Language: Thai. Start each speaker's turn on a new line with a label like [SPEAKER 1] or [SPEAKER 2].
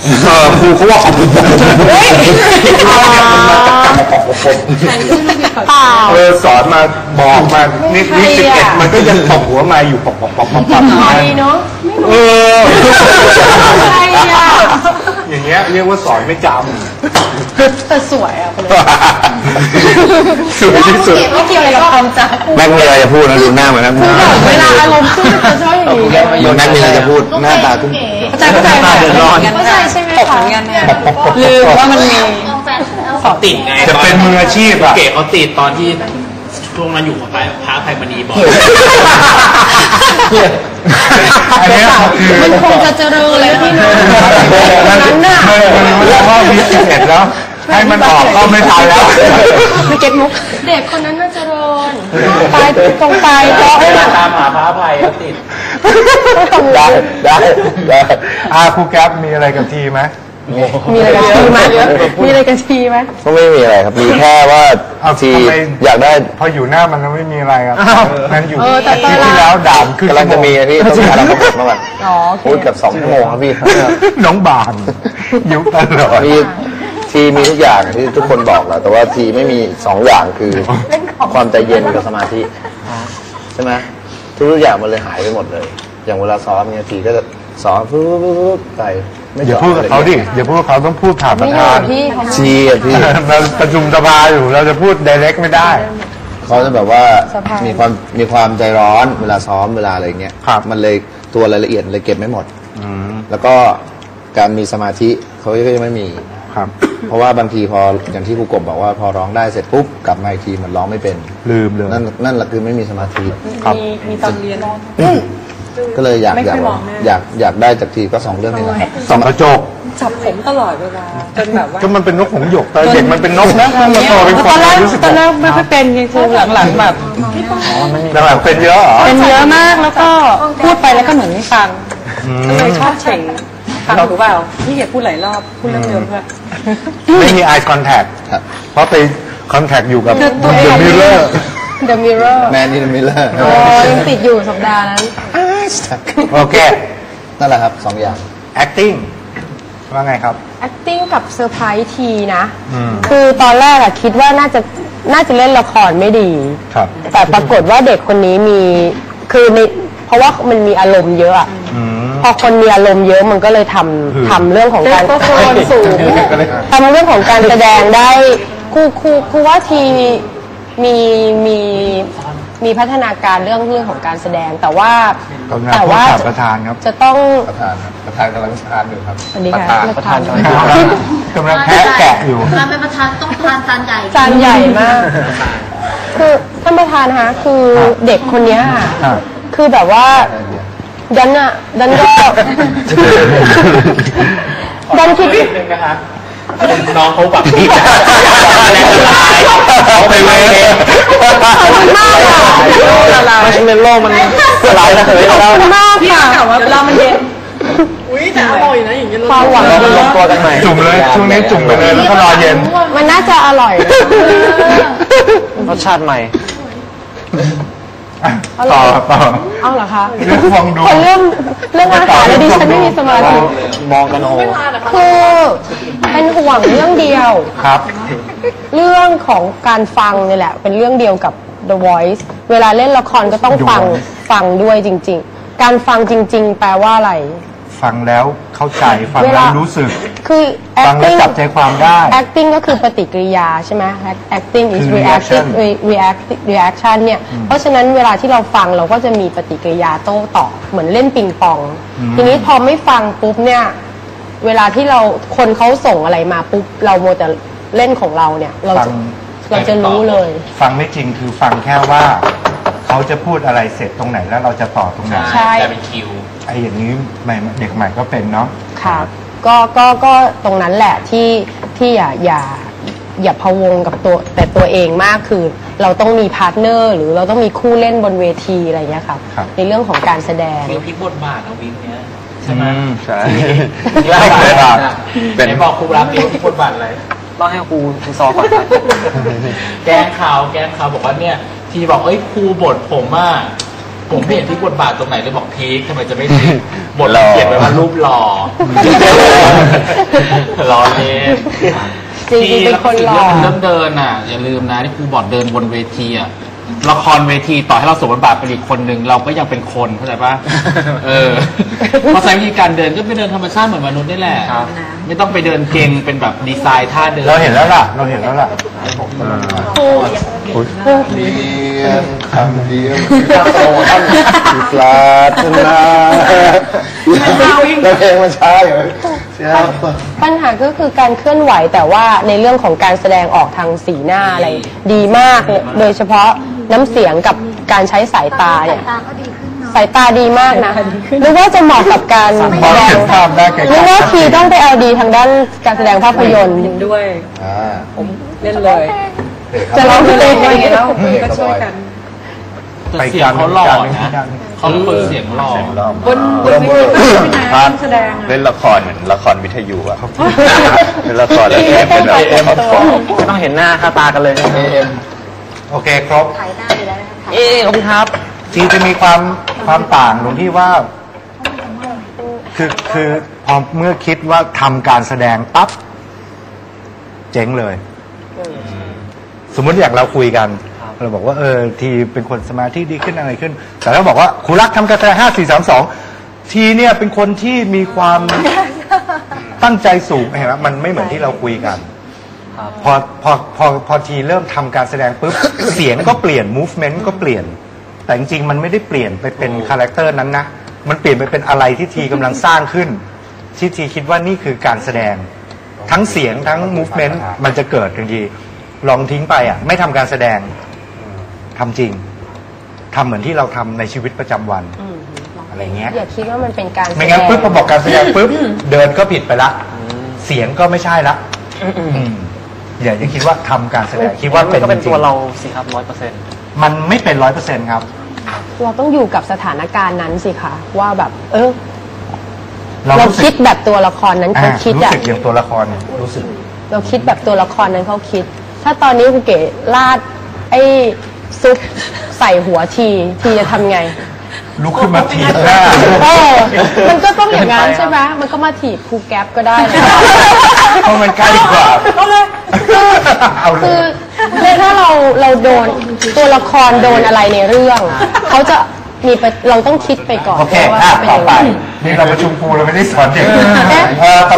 [SPEAKER 1] ครูเขาว่าสอนมาบอกมานี่11มันก็ยังตบหัวมาอยู่ปอก
[SPEAKER 2] เนาะ
[SPEAKER 1] อย่างเงี้ยเรียกว่าสอนไม่จ
[SPEAKER 2] ำแต่สวยอ่ะ
[SPEAKER 1] สวยที่สุด
[SPEAKER 2] ไม่เกี่ยวอะไรกับความจำ
[SPEAKER 3] แม่มีอะไรจะพูดนะดูหน้าเหมือนนั้น
[SPEAKER 2] เวลาอารมณ์ขึ้นจะชอบอย่างนี้
[SPEAKER 3] แม่มีอะไรจะพูดหน้าตาขึ้น
[SPEAKER 2] เข้าใจเดือดร้อนเข้าใจใช่ไหมคะลืมว่ามันมี
[SPEAKER 4] เขาติดไง
[SPEAKER 1] จะเป็นมืออาชีพอะ
[SPEAKER 4] เก๋เขาติดตอนที่ช่วงนั้นอยู่กับพระไพมณีบอก
[SPEAKER 1] อันนี้
[SPEAKER 2] มันคงจะเจริญเลยพี่น้องนั้นน่ะ
[SPEAKER 1] มันรู้ว่ามี11แล้วให้มันออกก็ไม่ทันแล้ว
[SPEAKER 2] ไม่เก็ตมุกเด็กคนนั้นน่าจะเจริญไปตรงไปเพราะ
[SPEAKER 4] ตามหาพระไพติด
[SPEAKER 1] ได้ครูแก๊ปมีอะไรกับทีไหม
[SPEAKER 2] มีอะไรกันทีไหมมีอะไรกันทีไหม
[SPEAKER 3] ก็ไม่มีอะไรครับมีแค่ว่าทีอยากได้
[SPEAKER 1] พออยู่หน้ามันไม่มีอะไรครับนั่นอยู่ที่แล้วด่านขึ้น
[SPEAKER 3] กำลังจะมีพี่ต้องการเราพูดมาก่อนพูดกับ2 ชั่วโมงครับพี่
[SPEAKER 1] น้องบานยุคตลอด
[SPEAKER 3] ทีมีทุกอย่างที่ทุกคนบอกแล้วแต่ว่าทีไม่มี2 อย่างคือความใจเย็นกับสมาธิใช่ไหมทุกอย่างมันเลยหายไปหมดเลยอย่างเวลาซ้อมเนี่ยทีก็จะซ้อมปุ๊บไป
[SPEAKER 1] อย่าพูดกับเขาดิอย่าพูดกับเขาต้องพูดผ่านประธาน
[SPEAKER 3] พี่
[SPEAKER 1] เราประชุมสภาอยู่เราจะพูด direct ไม่ได้
[SPEAKER 3] เขาจะแบบว่ามีความใจร้อนเวลาซ้อมเวลาอะไรเงี้ยมันเลยตัวรายละเอียดเลยเก็บไม่หมดแล้วก็การมีสมาธิเขาก็ยังไม่มี
[SPEAKER 1] ครับ
[SPEAKER 3] เพราะว่าบางทีพออย่างที่ครูกบบอกว่าพอร้องได้เสร็จปุ๊บกลับมาอีกทีมันร้องไม่เป็น
[SPEAKER 1] ลืมเลย
[SPEAKER 3] นั่นแหละคือไม่มีสมาธิ
[SPEAKER 1] ครับ
[SPEAKER 2] มีตอนเรียน
[SPEAKER 3] ก็เลยอยากได้จากทีก็2 เรื่องนี้แหละครับ
[SPEAKER 1] ส่องกระจก
[SPEAKER 2] จับผมตลอดเวลาจนแบบว่า
[SPEAKER 1] ก็มันเป็นนกหงส์หยกแต่เด็กมันเป็นนกนะมันโตเป็นคน
[SPEAKER 2] ตอนแรกไม่ค่อยเป็นไงคือหลังๆแบบ
[SPEAKER 1] หลังเป็นเยอะเหรอ
[SPEAKER 2] เป็นเยอะมากแล้วก็พูดไปแล้วก็เหมือนไม่ฟังก็เลยชอบเฉ่งฟังถูกเปล่าพี่เกียรพูดหลายรอบพูดเรื่องเดิมเพื่อ
[SPEAKER 1] ไม่มี eye contact เพราะไป contact อยู่กับ The Mirror
[SPEAKER 3] Man in the Mirror
[SPEAKER 2] ยังติดอยู่สัปดาห์นั้น
[SPEAKER 1] โอเค
[SPEAKER 3] นั่นแหละครับ2 อย่าง
[SPEAKER 1] acting ว่าไงครับ
[SPEAKER 2] acting กับเซอร์ไพรส์ทีนะคือตอนแรกอะคิดว่าน่าจะเล่นละครไม่ดีแต่ปรากฏว่าเด็กคนนี้มีคือในเพราะว่ามันมีอารมณ์เยอะพอคนมีอารมณ์เยอะมันก็เลยทำเรื่องของการสูงทำเรื่องของการแสดงได้ครูว่าทีมีพัฒนาการเรื่องของการแสดงแต่ว่า
[SPEAKER 1] ประธานครับ
[SPEAKER 2] จะต้อง
[SPEAKER 3] ประธานกำลังทานอยู่ครับ
[SPEAKER 2] ประธาน
[SPEAKER 1] กำลังแพะแกะอยู่
[SPEAKER 5] การเป็นประธานต้องทาน
[SPEAKER 2] จานใหญ่มากคือท่านประธานคะคือเด็กคนนี้คือแบบว่าดันก็ดันคิด
[SPEAKER 4] น้องเขาแบบดี
[SPEAKER 3] เขาไปเว้ย
[SPEAKER 2] มากค่ะ
[SPEAKER 3] มันเป็นโลกมันละลายนะเลย
[SPEAKER 2] เรามากค่ะเวลามันเย็นแต่อร่อยนะอย่างเงี้ยความหวัง
[SPEAKER 3] มันลงตัวกันใหม่
[SPEAKER 1] จุ่มเลยช่วงนี้จุ่มไปเลยแล้วก็รอเย็น
[SPEAKER 2] มันน่าจะอร่อย
[SPEAKER 3] รสชาติใหม่
[SPEAKER 1] ต่อ
[SPEAKER 2] เอาเหรอคะ
[SPEAKER 1] มองดู
[SPEAKER 2] เรื่องอาหารแล้วดิฉันไม่มีสมาธิ
[SPEAKER 3] มองกันโอ้
[SPEAKER 2] คือเป็นห่วงเรื่องเดียว
[SPEAKER 1] ครับ
[SPEAKER 2] เรื่องของการฟังนี่แหละเป็นเรื่องเดียวกับ The Voice เวลาเล่นละครก็ต้องฟังด้วยจริงๆการฟังจริงๆแปลว่าอะไร
[SPEAKER 1] ฟังแล้วเข้าใจฟังแล้วรู้สึก
[SPEAKER 2] คือ
[SPEAKER 1] ฟังแล้วจับใจความได้
[SPEAKER 2] acting ก็คือปฏิกิริยาใช่ไหม acting is reaction เนี่ยเพราะฉะนั้นเวลาที่เราฟังเราก็จะมีปฏิกิริยาโต้ตอบเหมือนเล่นปิงปองทีนี้พอไม่ฟังปุ๊บเนี่ยเวลาที่คนเขาส่งอะไรมาปุ๊บเราโมแต่เล่นของเราเนี่ยเราจะรู้เลย
[SPEAKER 1] ฟังไม่จริงคือฟังแค่ว่าเขาจะพูดอะไรเสร็จตรงไหนแล้วเราจะต่อตรงไหน
[SPEAKER 2] ใช่
[SPEAKER 4] จะเป็นคิว
[SPEAKER 1] ไอ้อย่างนี้เด็กใหม่ก็เป็นเนาะ
[SPEAKER 2] ค่ะก็ตรงนั้นแหละที่อย่าพะวงกับตัวเองมากคือเราต้องมีพาร์ทเนอร์หรือเราต้องมีคู่เล่นบนเวทีอะไรเงี้ยค่ะในเรื่องของการแสดง
[SPEAKER 4] มีพลิกบทบาทเอาวิงเนี้ยใช่ไหม
[SPEAKER 1] ใช่
[SPEAKER 4] เล่าเลยเป็นบอกครูรับมีพลิกบทบาทอะไรต้องให้ครูซอก่อนแกงข่าวบอกว่าเนี่ยทีบอกครูบทผมผมไม่เห็นที่บทบาทตรงไหนเลยบอกพีคทำไมจะไม่พีคบทเราเขียนไว้ว่ารูปหล่อหล่อเลย
[SPEAKER 2] จริงๆเป็นคนหล่อ
[SPEAKER 4] เริ่มเดินอ่ะอย่าลืมนะที่ครูบอกเดินบนเวทีอ่ะละครเวทีต่อให้เราสวมบทบาทเป็นอีกคนนึงเราก็ยังเป็นคนเข้าใจปะเพราะใช้วิธีการเดินก็ไปเดินธรรมชาติเหมือนมนุษย์นี่แหละไม่ต้องไปเดินเก่งเป็นแบบดีไซน์ท่าเดิน
[SPEAKER 1] เราเห็นแล้วล่ะเรียนคำเดียวปลาทนาแล้วเพลงมันช้าอยู่
[SPEAKER 2] ปัญหาก็คือการเคลื่อนไหวแต่ว่าในเรื่องของการแสดงออกทางสีหน้าอะไรดีมากโดยเฉพาะน้ำเสียงกับการใช้สายตาเนี่ยสายตาดีมากนะหรือว่าจะเหมาะกับการแสดงหรือว่าทีต้องไปเอาดีทางด้านการแสดงภาพยนตร์
[SPEAKER 5] ด้วยผมเล่นเลย
[SPEAKER 2] จะร้องเพลง
[SPEAKER 5] ยังไงแล้วก็ช่วยกัน
[SPEAKER 4] แต่เสียงเขาหล่อนะเขาเป็นเสียงหล่อบ
[SPEAKER 5] นเวทีก็แสดง
[SPEAKER 6] เล่นละครเหมือนละครวิทยุอะเล่นละครแล้วเป็นแบบ
[SPEAKER 4] ไม่ต้องเห็นหน้าค่าตากันเลย
[SPEAKER 1] โอเคครบ
[SPEAKER 2] ถ่ายหน้าอยู่แล้วนะคะ
[SPEAKER 4] ขอบคุณครับ
[SPEAKER 1] ทีจะมีความต่างตรงที่ว่าคือพอเมื่อคิดว่าทำการแสดงปั๊บเจ๊งเลยสมมติอย่างเราคุยกันเราบอกว่าทีเป็นคนสมาธิดีขึ้นอะไรขึ้นแต่เราบอกว่าครูรักทำการแสดง5 4 3 2ทีเนี่ยเป็นคนที่มีความตั้งใจสูงเห็นไหมมันไม่เหมือนที่เราคุยกันพอทีเริ่มทำการแสดงปุ๊บเสียงก็เปลี่ยน movement ก็เปลี่ยนแต่จริงๆมันไม่ได้เปลี่ยนไปเป็นคาแรคเตอร์นั้นนะมันเปลี่ยนไปเป็นอะไรที่ทีกำลังสร้างขึ้นที่ทีคิดว่านี่คือการแสดงทั้งเสียงทั้ง movement มันจะเกิดทันทีลองทิ้งไปอ่ะไม่ทำการแสดงทำจริงทำเหมือนที่เราทำในชีวิตประจำวันอะไรเงี้ย
[SPEAKER 2] อย่าคิดว่ามันเป็นการ
[SPEAKER 1] ไม่งั้นปุ๊บพอบอกการแสดงปุ๊บเดินก็ผิดไปละเสียงก็ไม่ใช่ละอย่าคิดว่าทำการแสดงคิดว่าเป็น
[SPEAKER 4] ตัวเราสิครับ100%
[SPEAKER 1] มันไม่เป็น100%ครับ
[SPEAKER 2] เราต้องอยู่กับสถานการณ์นั้นสิคะว่าแบบเราคิดแบบตัวละครนั้นเขาคิด
[SPEAKER 1] รู้สึกอย่างตัวละครรู้สึก
[SPEAKER 2] เราคิดแบบตัวละครนั้นเขาคิดถ้าตอนนี้ครูเก๋ลาดไอ้ซุปใส่หัวทีจะทำไง
[SPEAKER 1] ลุกขึ้นมาถีบหน้า
[SPEAKER 2] มันก็ต้องอย่างนั้นใช่ไหมมันก็มาถีบครูแก๊ปก็ได้
[SPEAKER 1] เพราะมันใกล้กว่า
[SPEAKER 2] คือถ้าเราโดนตัวละครโดนอะไรในเรื่องเขาจะมีเราต้องคิดไปก่อน
[SPEAKER 1] โอเคต่อไปนี่เราประชุมครูเราไม่ได้สอนเด็ก